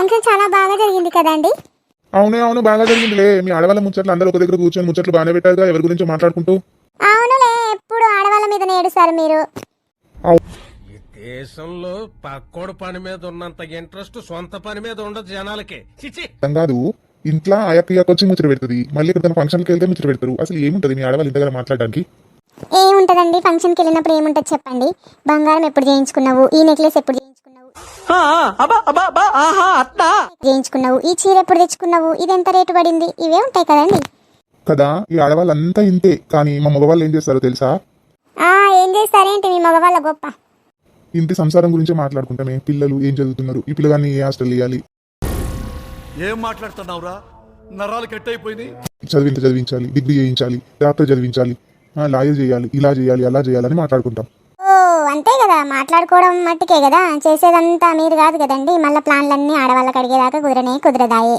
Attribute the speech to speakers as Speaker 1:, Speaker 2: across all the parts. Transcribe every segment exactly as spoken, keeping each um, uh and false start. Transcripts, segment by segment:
Speaker 1: Function చాలా బాగా జరిగింది కదండి.
Speaker 2: అవునే అవును బాగా జరిగిందిలే. మీ ఆడవాళ్ళ ముచ్చట్లు అందరూ ఒక దగ్గర కూర్చొని ముచ్చట్లు బాగానే పెట్టారుగా, ఎవరి గురించి మాట్లాడుకుంటూ.
Speaker 1: అవునులే, ఎప్పుడు ఆడవాళ్ళ మీద ఏడుస్తారు మీరు.
Speaker 3: ఈ దేశంలో పక్కోడు పని మీద ఉన్నంత ఇంట్రెస్ట్ సొంత పని మీద ఉండదు జనాలకి. చిచి
Speaker 2: కాదు, ఇంట్లో అయ్యక్క వచ్చి ముచ్చట పెడుతుంది, మళ్ళీ ఇక్కడ ఫంక్షన్కి వెళ్తే ముచ్చట పెడతారు. అసలు ఏముంటది మీ ఆడవాళ్ళు ఇంతగా మాట్లాడడానికి?
Speaker 1: ఏముంటదండి, ఫంక్షన్కి వెళ్ళినప్పుడు ఏముంటది చెప్పండి. బంగారం ఎప్పుడు చేయించుకున్నావు, ఈ నెక్లెస్ ఎప్పుడు చేయించుకున్నావు చేయించుకున్నావు ఈ చీర ఎప్పుడు తెచ్చుకున్నావు, ఇది ఎంత రేటు పడింది, ఇవే ఉంటాయి కదండి.
Speaker 2: కదా, ఈ ఆడవాళ్ళంతా ఇంతే. కానీ మా మగవాళ్ళు ఏం చేస్తారో తెలుసా?
Speaker 1: ఆ ఏం చేస్తారేంటి మీ మగవాళ్ళ గొప్ప?
Speaker 2: ఇంటి సంసారం గురించి మాట్లాడుకుంటామే. పిల్లలు ఏం చదువుతున్నారు, ఈ పిల్లగాన్ని ఏ హాస్టల్ ఇవ్వాలి,
Speaker 4: ఏం మాట్లాడుతున్నావురా, నరాలు కట్ అయిపోయింది.
Speaker 2: చదివింత చదివించాలి, డిగ్రీ చేయించాలి, డాక్టర్ చదివించాలి, లాయర్ చేయాలి, ఇలా చేయాలి అలా చేయాలని మాట్లాడుకుంటాం.
Speaker 1: ఓ అంతే కదా, మాట్లాడుకోవడం మట్టుకే కదా, చేసేదంతా మీరు కాదు కదండి. మళ్ళీ ప్లాన్లన్నీ ఆడవాళ్ళకి అడిగేదాకా కుదరనే కుదరదాయే.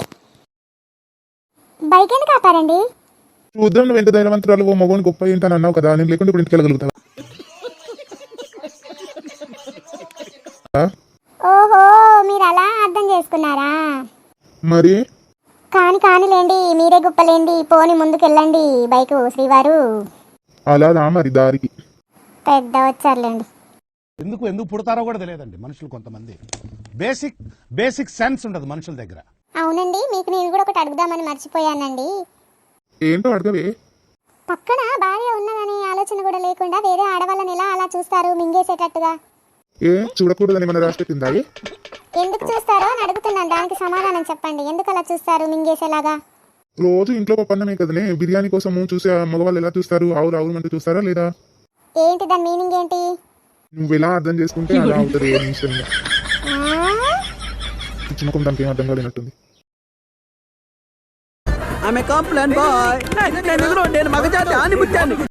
Speaker 1: బైక్ ఎందుకు ఆపారండి?
Speaker 2: చూద్దాం, నువ్వు ఎంత ధైర్యవంతురాలు, ఓ మగోని గొప్ప ఏంటని అన్నావు కదా, నేను లేకుంటే ఇప్పుడు ఇంటికి వెళ్ళగలుగుతావా?
Speaker 1: ఓహో, మీరు అలా అర్థం చేసుకున్నారా?
Speaker 2: మరి
Speaker 1: కాని కానిలేండి, మీరే గొప్పలేండి. పోని ముందుకెళ్ళండి బైకు శ్రీవారు.
Speaker 2: అలా రా మరి దారికి.
Speaker 1: పెద్ద వచ్చారులేండి.
Speaker 5: ఎందుకు ఎందుకు పుడతారో కూడా తెలియదండి మనుషులు. కొంతమంది బేసిక్ బేసిక్ సెన్స్ ఉండదు మనుషుల దగ్గర.
Speaker 1: అవునండి, మీకు నేను కూడా ఒకటి అడుగుదామని మర్చిపోయానండి.
Speaker 2: ఏంటో అడగవే.
Speaker 1: పక్కన భార్య ఉన్నదని ఆలోచన కూడా లేకుండా వేరే ఆడవాళ్ళని ఎలా అలా చూస్తారు, మింగేసేటట్టుగా?
Speaker 2: ఏ చూడకూడదని మన రాష్ట్ర కింద
Speaker 1: ఎందుకు చూస్తారో అని అడుగుతున్నాను, దానికి సమాధానం చెప్పండి. ఎందుకు అలా చూస్తారు మింగేసేలాగా?
Speaker 2: రోజు ఇంట్లో పన్నమే కదనే, బిర్యానీ కోసం చూసే మగవాళ్ళు ఎలా చూస్తారు? ఆవురు ఆవురు అంటే చూస్తారా లేదా?
Speaker 1: ఏంటి దాని మీనింగ్ ఏంటి?
Speaker 2: నువ్వు ఎలా అర్థం చేసుకుంటే అలా అవుతుంది. చిన్న కొంత దానికి ఏం అర్థం కాలేనట్టుంది.
Speaker 6: ఆమె కాంప్లైంట్ బాయ్, నేను మగజాతి ఆని ముత్యాన్ని.